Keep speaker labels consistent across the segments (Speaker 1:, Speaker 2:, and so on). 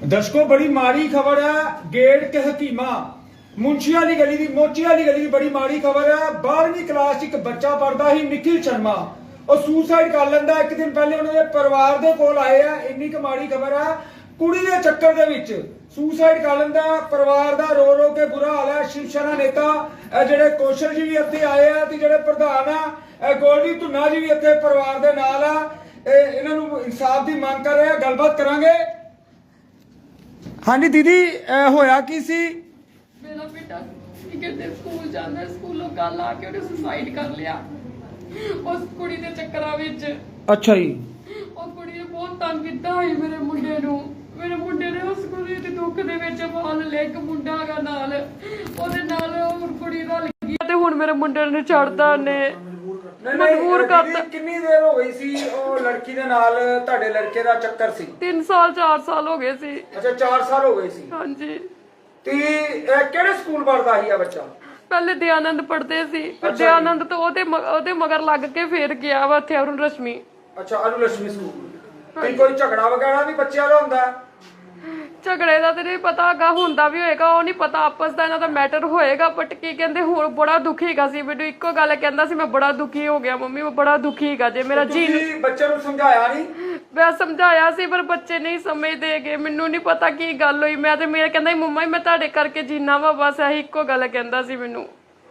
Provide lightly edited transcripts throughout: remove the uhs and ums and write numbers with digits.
Speaker 1: दर्शकों बड़ी माड़ी खबर है। गेट के हकीमा मुंशी वाली गली दी मोची वाली गली दी बड़ी माड़ी खबर है। 12वीं क्लास एक बच्चा पढ़ता ही निखिल शर्मा और सुसाइड कर लेंदा। एक दिन पहले उन्होंने परिवार दे कोल आए हैं। इन्नी क माड़ी खबर है। कुड़ी दे चक्कर दे विच सुसाइड कर लेंदा। परिवार दा रो रो के बुरा हाल है। शिवसेना नेता जेडे कौशल जी भी इत्थे आए हैं ते जेडे प्रधान है गोल्डी धुन्ना जी भी इत्थे परिवार दे नाल आ। इन्हां नूं इंसाफ दी मांग कर रहे हैं। गलबात करांगे। हाँ जी दीदी होया की सी?
Speaker 2: मेरा बेटा कहते स्कूल जाना, स्कूलों गल आके उन्हें सुसाइड कर लिया उस कुड़ी दे चक्करां विच।
Speaker 1: अच्छा जी।
Speaker 2: और कुड़ी ने बहुत तंग कीता है मेरे मुंडे नूं। मेरे मुंडे ने उस कुड़ी दे दुख दे विच पाल ले एक मुंडा गा नाल ओदे नाल और कुड़ी रल गई ते हुण मेरे मुंडे ने छड़दा ने मजबूर करता।
Speaker 1: कितनी देर हो गई सी ओ लड़की दे नाल ਤੁਹਾਡੇ लड़के दा चक्कर सी?
Speaker 2: 3 साल 4 साल हो गए सी।
Speaker 1: अच्छा 4 साल हो गए सी।
Speaker 2: हाँ जी।
Speaker 1: ਤੇ ਕਿਹੜੇ ਸਕੂਲ ਪੜਦਾ ਸੀ ਆ ਬੱਚਾ?
Speaker 2: ਪਹਿਲੇ ਦਿਆਨੰਦ ਪੜਦੇ ਸੀ, ਫਿਰ ਦਿਆਨੰਦ ਤੋਂ ਉਹਦੇ ਮਗਰ ਲੱਗ ਕੇ ਫੇਰ ਗਿਆ ਵਾ ਇੱਥੇ ਅਰੁਣ ਰਸ਼ਮੀ।
Speaker 1: ਅੱਛਾ ਅਰੁਣ ਰਸ਼ਮੀ ਸਕੂਲ। ਤੇ ਕੋਈ ਝਗੜਾ ਵਗੈਰਾ ਵੀ ਬੱਚਿਆਂ ਦਾ ਹੁੰਦਾ?
Speaker 2: ਝਗੜੇ ਦਾ ਤੇ ਨਹੀਂ ਪਤਾ, ਹੈਗਾ ਹੁੰਦਾ ਵੀ ਹੋਏਗਾ, ਉਹ ਨਹੀਂ ਪਤਾ ਆਪਸ ਦਾ ਇਹਨਾਂ ਦਾ ਮੈਟਰ ਹੋਏਗਾ। ਬਟ ਕੀ ਕਹਿੰਦੇ ਹੁਣ ਬੜਾ ਦੁਖੀ ਹੈਗਾ ਸੀ। ਮੈਨੂੰ ਇੱਕੋ ਗੱਲ ਕਹਿੰਦਾ ਸੀ ਮੈਂ ਬੜਾ ਦੁਖੀ ਹੋ ਗਿਆ ਮੰਮੀ, ਮੈਂ ਬੜਾ ਦੁਖੀ ਹੈਗਾ ਜੇ ਮੇਰਾ ਜੀ।
Speaker 1: ਤੁਸੀਂ ਬੱਚੇ ਨੂੰ ਸਮਝਾਇਆ ਨਹੀਂ?
Speaker 2: ਮੈਂ ਸਮਝਾਇਆ ਸੀ ਪਰ ਬੱਚੇ ਨਹੀਂ ਸਮਝਦੇਗੇ। ਮੈਨੂੰ ਨਹੀਂ ਪਤਾ ਕੀ ਗੱਲ ਹੋਈ। ਮੈਂ ਤੇ ਮੇਰੇ ਕਹਿੰਦਾ ਮੰਮਾ ਮੈਂ ਤੁਹਾਡੇ ਕਰਕੇ ਜੀਣਾ ਵਾ, ਬਸ ਇਹੀ ਇੱਕੋ ਗੱਲ ਕਹਿੰਦਾ ਸੀ ਮੈਨੂੰ।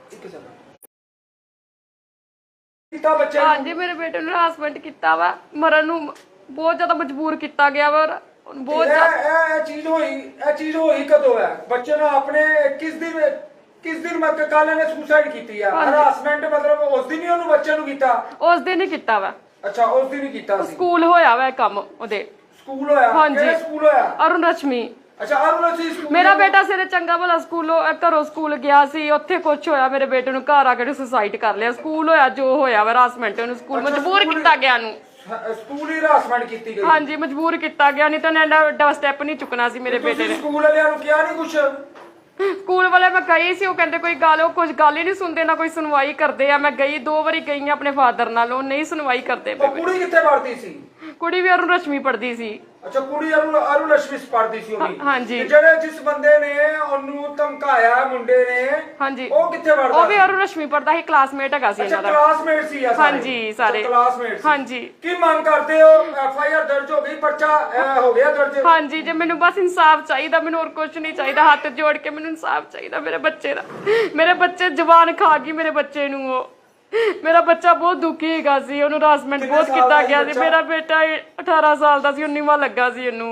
Speaker 2: ਹਾਂਜੀ ਮੇਰੇ ਬੇਟੇ ਨੂੰ ਹਰਾਸਮੈਂਟ ਕੀਤਾ ਵਾ, ਮਰਨ ਨੂੰ ਬਹੁਤ ਜ਼ਿਆਦਾ ਮਜਬੂਰ ਕੀਤਾ ਗਿਆ ਵਾ। ਬਹੁਤ
Speaker 1: ਇਹ ਚੀਜ਼ ਹੋਈ ਕਦੋਂ ਹੈ? ਬੱਚੇ ਨੂੰ ਆਪਣੇ ਕਿਸ ਦਿਨ ਮੈਂ ਕੱਲ ਇਹਨੇ ਸੁਸਾਈਡ ਕੀਤੀ ਆ? ਹਰਾਸਮੈਂਟ ਮਤਲਬ ਉਸ ਦਿਨ ਹੀ ਉਹਨੂੰ ਬੱਚੇ ਨੂੰ ਕੀਤਾ?
Speaker 2: ਉਸ ਦਿਨ ਹੀ ਕੀਤਾ ਵਾ।
Speaker 1: ਅੱਛਾ ਉਸ ਦਿਨ ਹੀ ਕੀਤਾ ਸੀ।
Speaker 2: ਸਕੂਲ ਹੋਇਆ ਵਾ ਕੰਮ ਉਹਦੇ।
Speaker 1: ਸਕੂਲ ਹੋਇਆ?
Speaker 2: ਹਾਂਜੀ
Speaker 1: ਸਕੂਲ ਹੋਇਆ।
Speaker 2: ਅਰੁਣ ਰਸ਼ਮੀ।
Speaker 1: ਅੱਛਾ ਅਰੁਣ ਰਸ਼ਮੀ ਸਕੂਲ। ਮੇਰਾ
Speaker 2: ਬੇਟਾ ਸਿਰੇ ਚੰਗਾ ਭਲਾ ਸਕੂਲੋਂ ਘਰੋਂ ਸਕੂਲ ਗਿਆ ਸੀ, ਉੱਥੇ ਕੁਛ ਹੋਇਆ ਮੇਰੇ ਬੇਟੇ ਨੂੰ, ਘਰ ਆ ਕੇ ਸੁਸਾਈਡ ਕਰ ਲਿਆ। ਸਕੂਲ ਹੋਇਆ ਜੋ ਹੋਇਆ ਵਾ ਹਰਾਸਮੈਂਟ, ਉਹਨੂੰ ਸਕੂਲ ਮਜਬੂਰ ਕੀਤਾ ਗਿਆ ਨੂੰ।
Speaker 1: ਸਕੂਲ ਹੀ ਹਰਾਸਮੈਂਟ ਕੀਤੀ ਗਈ?
Speaker 2: ਹਾਂਜੀ ਮਜਬੂਰ ਕੀਤਾ ਗਿਆ, ਨਹੀਂ ਤਾਂ ਇਹਨੇ ਐਡਾ ਸਟੈਪ ਨਹੀਂ ਚੁੱਕਣਾ ਸੀ ਮੇਰੇ ਬੇਟੇ ਨੇ।
Speaker 1: ਸਕੂਲ ਵਾਲਿਆਂ ਨੂੰ ਕਿਹਾ ਨਹੀਂ ਕੁਛ?
Speaker 2: ਸਕੂਲ ਵਾਲੇ ਮੈਂ ਗਈ ਸੀ, ਉਹ ਕਹਿੰਦੇ ਕੋਈ ਗੱਲ, ਉਹ ਕੁਝ ਗੱਲ ਹੀ ਨਹੀਂ ਸੁਣਦੇ, ਨਾ ਕੋਈ ਸੁਣਵਾਈ ਕਰਦੇ ਆ। ਮੈਂ ਗਈ 2 ਵਾਰੀ ਗਈ ਆ ਆਪਣੇ ਫਾਦਰ ਨਾਲ, ਉਹ ਨਹੀਂ ਸੁਣਵਾਈ ਕਰਦੇ।
Speaker 1: ਕੁੜੀ ਕਿੱਥੇ ਪੜਦੀ ਸੀ?
Speaker 2: ਕੁੜੀ ਵੀ ਅਰੁਣ ਰਸ਼ਮੀ ਪੜਦੀ ਸੀ।
Speaker 1: ਅੱਛਾ ਕੁੜੀ ਅਰੁਣ ਰਸ਼ਮੀ ਪੜਦੀ ਸੀ ਉਹ ਵੀ?
Speaker 2: ਹਾਂਜੀ।
Speaker 1: ਜਿਹੜੇ ਜਿਸ ਬੰਦੇ ਨੇ ਉਹਨੂੰ ਧਮਕਾਇਆ ਮੁੰਡੇ ਨੇ,
Speaker 2: ਹਾਂਜੀ,
Speaker 1: ਉਹ ਕਿੱਥੇ ਪੜਦਾ?
Speaker 2: ਉਹ ਵੀ ਅਰੁਣ ਰਸ਼ਮੀ ਪੜਦਾ ਸੀ, ਕਲਾਸਮੇਟ ਹੈਗਾ ਸੀ ਇਹਨਾਂ ਦਾ।
Speaker 1: ਕਲਾਸਮੇਟ ਸੀ ਆ ਸਾਰੇ?
Speaker 2: ਹਾਂਜੀ ਸਾਰੇ
Speaker 1: ਕਲਾਸਮੇਟ।
Speaker 2: ਹਾਂਜੀ।
Speaker 1: ਕੀ ਮੰਗ ਕਰਦੇ ਹੋ? FIR ਦਰਜ ਹੋ ਗਈ, ਪਰਚਾ ਹੋ ਗਿਆ ਦਰਜ?
Speaker 2: ਹਾਂਜੀ ਜੇ ਮੈਨੂੰ ਬਸ ਇਨਸਾਫ ਚਾਹੀਦਾ, ਮੈਨੂੰ ਹੋਰ ਕੁਝ ਨਹੀਂ ਚਾਹੀਦਾ। ਹੱਥ ਜੋੜ ਕੇ ਮੈਨੂੰ ਇਨਸਾਫ ਚਾਹੀਦਾ ਮੇਰੇ ਬੱਚੇ ਦਾ। ਮੇਰੇ ਬੱਚੇ ਜ਼ਬਾਨ ਖਾ ਗਈ ਮੇਰੇ ਬੱਚੇ ਨੂੰ। ਉਹ ਮੇਰਾ ਬੱਚਾ ਬਹੁਤ ਦੁਖੀ ਹੈਗਾ ਸੀ, ਉਹਨੂੰ ਹਰਾਸਮੈਂਟ ਬਹੁਤ ਕੀਤਾ ਗਿਆ ਸੀ। ਮੇਰਾ ਬੇਟਾ 18 ਸਾਲ ਦਾ ਸੀ, 19ਵਾਂ ਲੱਗਾ ਸੀ ਇਹਨੂੰ।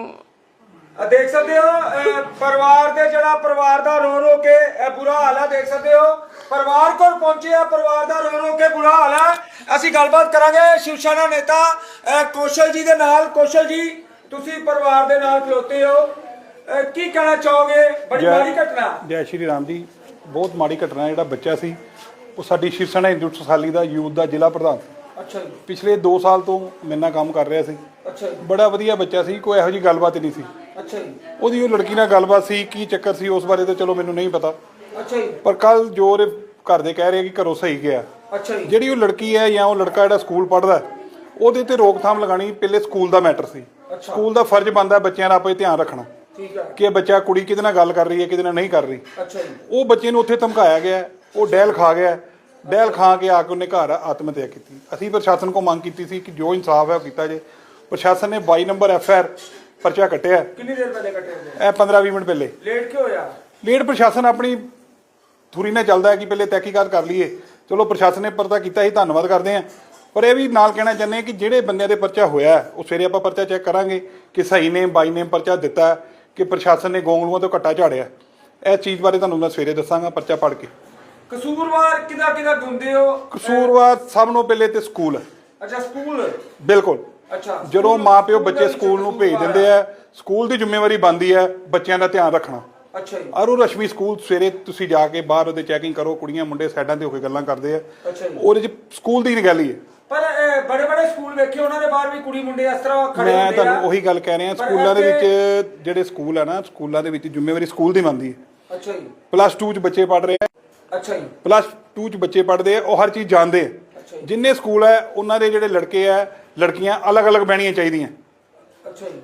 Speaker 1: ਦੇਖ ਸਕਦੇ ਹੋ ਪਰਿਵਾਰ ਦੇ ਪਰਿਵਾਰ ਦਾ ਰੋ ਰੋ ਕੇ ਬੁਰਾ ਹਾਲ ਹੈ। ਦੇਖ ਸਕਦੇ ਹੋ ਪਰਿਵਾਰ ਕੋਲ ਪਹੁੰਚੇ ਆ, ਪਰਿਵਾਰ ਦਾ ਰੋ ਰੋ ਕੇ ਬੁਰਾ ਹਾਲ ਹੈ। ਅਸੀਂ ਗੱਲਬਾਤ ਕਰਾਂਗੇ ਸ਼ਿਵਸੈਨਾ ਨੇਤਾ ਕੌਸ਼ਲ ਜੀ ਦੇ ਨਾਲ। ਕੌਸ਼ਲ ਜੀ ਤੁਸੀਂ ਪਰਿਵਾਰ ਦੇ ਨਾਲ ਖਲੋਤੇ ਹੋ, ਕੀ ਕਹਿਣਾ ਚਾਹੋਗੇ? ਬੜੀ ਮਾੜੀ ਘਟਨਾ।
Speaker 3: ਜੈ ਸ਼੍ਰੀ ਰਾਮ ਜੀ। ਬਹੁਤ ਮਾੜੀ ਘਟਨਾ। ਜਿਹੜਾ ਬੱਚਾ ਸੀ ਉਹ ਸਾਡੀ ਸ਼ਿਵਸੈਨਾ ਇੰਸਟੀਚਿਊਟ ਸਸਾਲੀ ਦਾ ਯੂਥ ਦਾ ਜ਼ਿਲ੍ਹਾ ਪ੍ਰਧਾਨ।
Speaker 1: ਅੱਛਾ ਜੀ।
Speaker 3: ਪਿਛਲੇ 2 ਸਾਲ ਤੋਂ ਮੇਰੇ ਨਾਲ ਕੰਮ ਕਰ ਰਿਹਾ ਸੀ।
Speaker 1: ਅੱਛਾ ਜੀ।
Speaker 3: ਬੜਾ ਵਧੀਆ ਬੱਚਾ ਸੀ, ਕੋਈ ਇਹੋ ਜਿਹੀ ਗੱਲਬਾਤ ਨਹੀਂ ਸੀ।
Speaker 1: ਅੱਛਾ ਜੀ।
Speaker 3: ਉਹਦੀ ਉਹ ਲੜਕੀ ਨਾਲ ਗੱਲਬਾਤ ਸੀ, ਕੀ ਚੱਕਰ ਸੀ ਉਸ ਬਾਰੇ ਤਾਂ ਚਲੋ ਮੈਨੂੰ ਨਹੀਂ ਪਤਾ।
Speaker 1: ਅੱਛਾ ਜੀ।
Speaker 3: ਪਰ ਕੱਲ ਜੋ ਉਹਦੇ ਘਰ ਦੇ ਕਹਿ ਰਹੇ ਕਿ ਘਰੋਂ ਸਹੀ ਗਿਆ।
Speaker 1: ਅੱਛਾ ਜੀ।
Speaker 3: ਜਿਹੜੀ ਉਹ ਲੜਕੀ ਹੈ ਜਾਂ ਉਹ ਲੜਕਾ ਜਿਹੜਾ ਸਕੂਲ ਪੜ੍ਹਦਾ, ਉਹਦੇ ਤੇ ਰੋਕਥਾਮ ਲਗਾਣੀ ਪਹਿਲੇ ਸਕੂਲ ਦਾ ਮੈਟਰ ਸੀ। ਸਕੂਲ ਦਾ ਫਰਜ਼ ਬਣਦਾ ਬੱਚਿਆਂ ਦਾ ਆਪੇ ਧਿਆਨ ਰੱਖਣਾ
Speaker 1: ਠੀਕ ਹੈ
Speaker 3: ਕਿ ਬੱਚਾ ਕੁੜੀ ਕਿਹਦੇ ਨਾਲ ਗੱਲ ਕਰ ਰਹੀ ਹੈ, ਕਿਹਦੇ ਨਾਲ ਨਹੀਂ ਕਰ ਰਹੀ।
Speaker 1: ਅੱਛਾ ਜੀ।
Speaker 3: ਉਹ ਬੱਚੇ ਨੂੰ ਉੱਥੇ ਧਮਕਾਇਆ ਗਿਆ, ਉਹ ਡੈਲ ਖਾ ਗਿਆ। ਡੈਲ ਖਾ ਕੇ ਆ ਕੇ ਉਹਨੇ ਘਰ ਆਤਮ ਹੱਤਿਆ ਕੀਤੀ। ਅਸੀਂ ਪ੍ਰਸ਼ਾਸਨ ਕੋਲ ਮੰਗ ਕੀਤੀ ਸੀ ਕਿ ਜੋ ਇਨਸਾਫ ਹੈ ਉਹ ਕੀਤਾ ਜੇ। ਪ੍ਰਸ਼ਾਸਨ ਨੇ 22 ਨੰਬਰ FIR ਪਰਚਾ ਕੱਟਿਆ।
Speaker 1: ਕਿੰਨੀ ਦੇਰ ਪਹਿਲੇ ਕੱਟਿਆ?
Speaker 3: ਇਹ 15-20 ਮਿੰਟ ਪਹਿਲੇ।
Speaker 1: ਲੇਟ ਕਿਉਂ ਹੋਇਆ?
Speaker 3: ਲੇਟ ਪ੍ਰਸ਼ਾਸਨ ਆਪਣੀ ਥੁਰੀ ਨਾਲ ਚੱਲਦਾ ਹੈ ਕਿ ਪਹਿਲੇ ਤਹਿਕੀਕਾਤ ਕਰ ਲਈਏ। ਚਲੋ ਪ੍ਰਸ਼ਾਸਨ ਨੇ ਪਰਚਾ ਕੀਤਾ ਹੀ, ਧੰਨਵਾਦ ਕਰਦੇ ਹਾਂ। ਪਰ ਇਹ ਵੀ ਨਾਲ ਕਹਿਣਾ ਚਾਹੁੰਦੇ ਹਾਂ ਕਿ ਜਿਹੜੇ ਬੰਦਿਆਂ ਦੇ ਪਰਚਾ ਹੋਇਆ ਉਹ ਸਵੇਰੇ ਆਪਾਂ ਪਰਚਾ ਚੈੱਕ ਕਰਾਂਗੇ ਕਿ ਸਹੀ ਨੇ ਬਾਈ ਨੇ ਪਰਚਾ ਦਿੱਤਾ ਕਿ ਪ੍ਰਸ਼ਾਸਨ ਨੇ ਗੋਂਗਲੂਆਂ ਤੋਂ ਘੱਟਾ ਝਾੜਿਆ। ਇਹ ਚੀਜ਼ ਬਾਰੇ ਤੁਹਾਨੂੰ ਮੈਂ ਸਵੇਰੇ ਦੱਸਾਂਗਾ ਪਰਚਾ ਪੜ੍ਹ ਕੇ।
Speaker 1: ਕਸੂਰਵਾਰ ਕਿਹਦਾ ਗੁੰਦੇ ਹੋ?
Speaker 3: ਕਸੂਰਵਾਰ ਸਭ ਨੂੰ ਪਹਿਲੇ ਤੇ ਸਕੂਲ।
Speaker 1: ਅੱਛਾ ਸਕੂਲ।
Speaker 3: ਬਿਲਕੁਲ।
Speaker 1: ਅੱਛਾ
Speaker 3: ਜਦੋਂ ਮਾਪਿਓ ਬੱਚੇ ਸਕੂਲ ਨੂੰ ਭੇਜ ਦਿੰਦੇ ਆ, ਸਕੂਲ ਦੀ ਜ਼ਿੰਮੇਵਾਰੀ ਬਣਦੀ ਹੈ ਬੱਚਿਆਂ ਦਾ ਧਿਆਨ ਰੱਖਣਾ।
Speaker 1: ਅੱਛਾ ਜੀ।
Speaker 3: ਅਰੁਣ ਰਸ਼ਮੀ ਸਕੂਲ ਸਵੇਰੇ ਤੁਸੀਂ ਜਾ ਕੇ ਬਾਹਰ ਉਹਦੇ ਚੈਕਿੰਗ ਕਰੋ, ਕੁੜੀਆਂ ਮੁੰਡੇ ਸਾਈਡਾਂ ਤੇ ਹੋ ਕੇ ਗੱਲਾਂ ਕਰਦੇ ਆ।
Speaker 1: ਅੱਛਾ ਜੀ।
Speaker 3: ਉਹਦੇ ਚ ਸਕੂਲ ਦੀ ਨਿਗਾਲੀ ਹੈ।
Speaker 1: ਪਰ ਬੜੇ ਸਕੂਲ ਵੇਖੇ ਉਹਨਾਂ ਦੇ ਬਾਹਰ ਵੀ ਕੁੜੀ ਮੁੰਡੇ ਇਸ ਤਰ੍ਹਾਂ ਖੜੇ ਹੁੰਦੇ ਆ।
Speaker 3: ਮੈਂ ਤੁਹਾਨੂੰ ਉਹੀ ਗੱਲ ਕਹਿ ਰਿਹਾ, ਸਕੂਲਾਂ ਦੇ ਵਿੱਚ ਜਿਹੜੇ ਸਕੂਲ ਆ ਨਾ, ਸਕੂਲਾਂ ਦੇ ਵਿੱਚ ਜ਼ਿੰਮੇਵਾਰੀ ਸਕੂਲ ਦੀ ਬਣਦੀ ਹੈ।
Speaker 1: ਅੱਛਾ ਜੀ।
Speaker 3: +2 ਚ ਬੱਚੇ ਪੜ੍ਹ ਰਹੇ ਆ।
Speaker 1: ਅੱਛਾ ਜੀ।
Speaker 3: +2 ਚ ਬੱਚੇ ਪੜ੍ਹਦੇ ਆ, ਉਹ ਹਰ ਚੀਜ਼ ਜਾਣਦੇ ਆ। ਜਿੰਨੇ ਸਕੂਲ ਹੈ ਉਹਨਾਂ ਦੇ ਜਿਹੜੇ ਲੜਕੇ ਆ ਲੜਕੀਆਂ ਅਲੱਗ-ਅਲੱਗ ਬਹਿਣੀਆਂ ਚਾਹੀਦੀਆਂ।
Speaker 1: ਅੱਛਾ ਜੀ।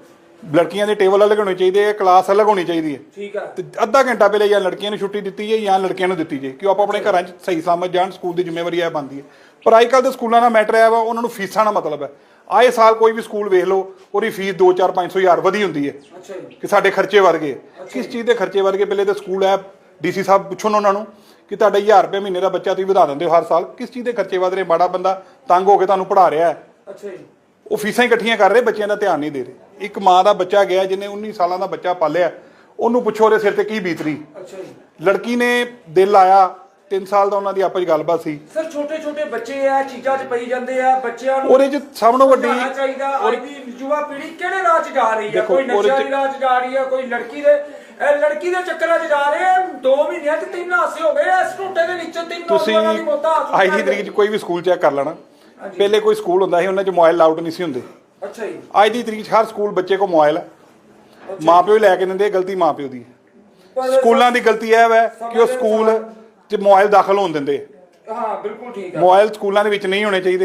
Speaker 3: ਲੜਕੀਆਂ ਦੇ ਟੇਬਲ ਅਲੱਗ ਹੋਣੇ ਚਾਹੀਦੇ ਆ, ਕਲਾਸ ਅਲੱਗ ਹੋਣੀ ਚਾਹੀਦੀ ਹੈ।
Speaker 1: ਠੀਕ ਹੈ।
Speaker 3: ਤੇ ਅੱਧਾ ਘੰਟਾ ਪਹਿਲੇ ਜਾਂ ਲੜਕੀਆਂ ਨੂੰ ਛੁੱਟੀ ਦਿੱਤੀ ਜਾਏ ਜਾਂ ਲੜਕਿਆਂ ਨੂੰ ਦਿੱਤੀ ਜਾਏ ਕਿ ਉਹ ਆਪੋ ਆਪਣੇ ਘਰਾਂ 'ਚ ਸਹੀ ਸਲਾਮਤ ਜਾਣ। ਸਕੂਲ ਦੀ ਜ਼ਿੰਮੇਵਾਰੀ ਇਹ ਬਣਦੀ ਹੈ। ਪਰ ਅੱਜ ਕੱਲ੍ਹ ਦੇ ਸਕੂਲਾਂ ਦਾ ਮੈਟਰ ਹੈ ਵਾ, ਉਹਨਾਂ ਨੂੰ ਫੀਸਾਂ ਦਾ ਮਤਲਬ ਹੈ। ਆਏ ਸਾਲ ਕੋਈ ਵੀ ਸਕੂਲ ਵੇਖ ਲਓ, ਉਹਦੀ ਫੀਸ 2, 4, 500 ਹਜ਼ਾਰ ਵਧੀ ਹੁੰਦੀ ਹੈ
Speaker 1: ਅੱਛਾ ਜੀ।
Speaker 3: ਕਿ ਸਾਡੇ ਖਰਚੇ ਵਧ ਗਏ। ਕਿਸ ਚੀਜ਼ ਦੇ ਖਰਚੇ ਵਧ ਗਏ? ਪਹਿਲੇ ਤਾਂ ਸਕੂਲ ਹੈ, ਡੀਸੀ ਸਾਹਿਬ ਪੁੱਛਣ ਉਹਨਾਂ ਨੂੰ ਕਿ ਤੁਹਾਡਾ 1000 ਰੁਪਏ ਮਹੀਨੇ ਦਾ ਬੱਚਾ ਤੁਸੀਂ ਵਧਾ ਦਿੰਦੇ ਹੋ ਹਰ ਸਾਲ, ਕਿਸ ਚੀਜ਼ ਦੇ ਖਰਚੇ ਵਧ ਰਹੇ? ਮਾੜਾ ਬੰਦਾ ਤੰਗ ਹੋ ਕੇ ਤੁਹਾਨੂੰ ਪੜ੍ਹਾ ਰਿਹਾ ਹੈ,
Speaker 1: ਅੱਛਾ ਜੀ।
Speaker 3: ਉਹ ਫੀਸਾਂ ਇਕੱਠੀਆਂ ਕਰ ਰਹੇ, ਬੱਚਿਆਂ ਦਾ ਧਿਆਨ ਨਹੀਂ ਦੇ ਰਹੇ। ਇੱਕ ਮਾਂ ਦਾ ਬੱਚਾ ਗਿਆ ਜਿਹਨੇ 19 ਸਾਲਾਂ ਦਾ ਬੱਚਾ ਪਾਲਿਆ, ਉਹਨੂੰ ਪੁੱਛੋ ਉਹਦੇ ਸਿਰ ਤੇ ਕੀ ਬੀਤ ਰਹੀ।
Speaker 1: ਅੱਛਾ ਜੀ।
Speaker 3: ਲੜਕੀ ਨੇ ਦਿਲ ਲਾਇਆ, 3 ਸਾਲ ਦਾ ਉਹਨਾਂ ਦੀ ਆਪਸ 'ਚ ਗੱਲਬਾਤ ਸੀ।
Speaker 1: ਸਰ ਛੋਟੇ ਛੋਟੇ ਬੱਚੇ ਆ, ਚੀਜ਼ਾਂ 'ਚ ਪਈ ਜਾਂਦੇ ਆ, ਬੱਚਿਆਂ ਨੂੰ
Speaker 3: ਉਹਦੇ 'ਚ ਸਭ ਤੋਂ ਵੱਡੀ
Speaker 1: ਸਮਝਾਉਣਾ ਚਾਹੀਦਾ। ਅੱਜ ਦੀ ਯੁਵਾ ਪੀੜ੍ਹੀ ਕਿਹੜੇ ਰਾਹ 'ਚ ਜਾ ਰਹੀ ਹੈ? ਕੋਈ ਨਸ਼ਿਆਂ ਦੀ ਰਾਹ 'ਚ ਜਾ ਰਹੀ ਹੈ, ਕੋਈ ਲੜਕੀ ਦੇ ਚੱਕਰਾਂ 'ਚ ਜਾ ਰਹੇ ਆ। 2 ਮਹੀਨਿਆਂ 'ਚ 3 ਹਾਸੇ ਹੋ ਗਏ ਇਸ ਝੂਟੇ ਦੇ ਵਿੱਚ, 3 ਨੌਜਵਾਨਾਂ ਦੀ ਮੌਤਾਂ ਹੋ
Speaker 3: ਅੱਜ ਦੀ ਤਰੀਕ 'ਚ ਕੋਈ ਵੀ ਸਕੂਲ ਚੈੱਕ ਕਰ ਲੈਣਾ। ਪਹਿਲੇ ਕੋਈ ਸਕੂਲ ਹੁੰਦਾ ਸੀ, ਉਹਨਾਂ 'ਚ ਮੋਬਾਈਲ ਅਲਾਉਡ ਨਹੀਂ ਸੀ ਹੁੰਦੇ।
Speaker 1: ਅੱਛਾ ਜੀ।
Speaker 3: ਅੱਜ ਦੀ ਤਰੀਕ 'ਚ ਹਰ ਸਕੂਲ ਬੱਚੇ ਕੋਲ ਮੋਬਾਈਲ ਹੈ। ਮਾਪਿਓ ਹੀ ਲੈ ਕੇ ਦਿੰਦੇ, ਗਲਤੀ ਮਾਪਿਓ ਦੀ ਹੈ। ਸਕੂਲਾਂ ਦੀ ਗਲਤੀ ਇਹ ਹੈ ਕਿ ਉਹ ਸਕੂਲ 'ਚ ਮੋਬਾਈਲ ਦਾਖਲ ਹੋਣ ਦਿੰਦੇ।
Speaker 1: ਹਾਂ ਬਿਲਕੁਲ ਠੀਕ ਹੈ।
Speaker 3: ਮੋਬਾਈਲ ਸਕੂਲਾਂ ਦੇ ਵਿੱਚ ਨਹੀਂ ਹੋਣੇ ਚਾਹੀਦੇ।